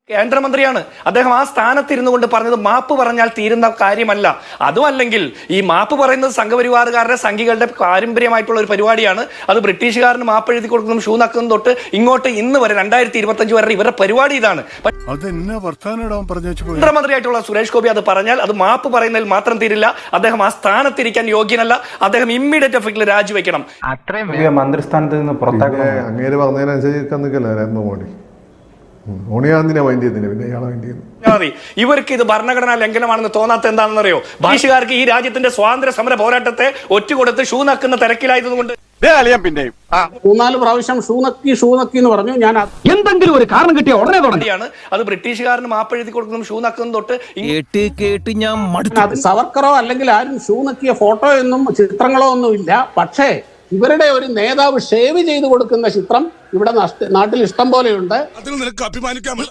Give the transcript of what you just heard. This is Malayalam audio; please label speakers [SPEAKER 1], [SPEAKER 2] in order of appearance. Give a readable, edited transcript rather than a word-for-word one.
[SPEAKER 1] കേന്ദ്രമന്ത്രിയാണ് അദ്ദേഹം. ആ സ്ഥാനത്തിരുന്നു കൊണ്ട് പറഞ്ഞത് മാപ്പ് പറഞ്ഞാൽ തീരുന്ന കാര്യമല്ല. അതുമല്ലെങ്കിൽ ഈ മാപ്പ് പറയുന്നത് സംഘപരിവാറുകാരുടെ സംഘികളുടെ പാരമ്പര്യമായിട്ടുള്ള ഒരു പരിപാടിയാണ്. അത് ബ്രിട്ടീഷുകാരന് മാപ്പ് എഴുതി കൊടുക്കുന്നതും ഷൂ നക്കുന്നതും തൊട്ട് ഇങ്ങോട്ട് ഇന്ന് വരെ 2025 വരെ ഇവരുടെ പരിപാടി ഇതാണ്. കേന്ദ്രമന്ത്രിയായിട്ടുള്ള സുരേഷ് ഗോപി അത് പറഞ്ഞാൽ അത് മാപ്പ് പറയുന്നതിൽ മാത്രം തീരില്ല. അദ്ദേഹം ആ സ്ഥാനത്തിരിക്കാൻ യോഗ്യനല്ല. അദ്ദേഹം ഇമ്മീഡിയറ്റ് എഫക്റ്റിൽ രാജിവെക്കണം.
[SPEAKER 2] അത്രയും മന്ത്രിസ്ഥാനത്ത് നിന്ന് പുറത്താക്കണം.
[SPEAKER 3] അങ്ങേര് പറഞ്ഞതിനനുസരിച്ച് നരേന്ദ്ര മോദി
[SPEAKER 1] ഇവർക്ക് ഇത് ഭരണഘടനാ ലംഘനമാണെന്ന് തോന്നാത്ത എന്താണെന്നറിയോ? ഭാഷകാർക്ക് ഈ രാജ്യത്തിന്റെ സ്വാതന്ത്ര്യ സമര പോരാട്ടത്തെ ഒറ്റുകൊടുത്ത് ഷൂ നക്കുന്ന തിരക്കിലായതുകൊണ്ട്
[SPEAKER 4] 3-4 പ്രാവശ്യം ഷൂ നക്കി എന്ന് പറഞ്ഞു. ഞാൻ
[SPEAKER 5] എന്തെങ്കിലും ഒരു കാരണം കിട്ടിയ ഉടനെ
[SPEAKER 1] തുടങ്ങിയാണ്. അത് ബ്രിട്ടീഷുകാരന് മാപ്പ് എഴുതി കൊടുക്കുന്നതും ഷൂ നക്കുന്നതും തൊട്ട്
[SPEAKER 5] കേട്ട് ഞാൻ
[SPEAKER 4] സവർക്കറോ അല്ലെങ്കിൽ ആരും ഷൂ നക്കിയ ഫോട്ടോ ഒന്നും ചിത്രങ്ങളോ ഒന്നും ഇല്ല. പക്ഷേ ഇവരുടെ ഒരു നേതാവ് ഷേവ് ചെയ്ത് കൊടുക്കുന്ന ചിത്രം ഇവിടെ നാട്ടിൽ ഇഷ്ടം പോലെയുണ്ട്.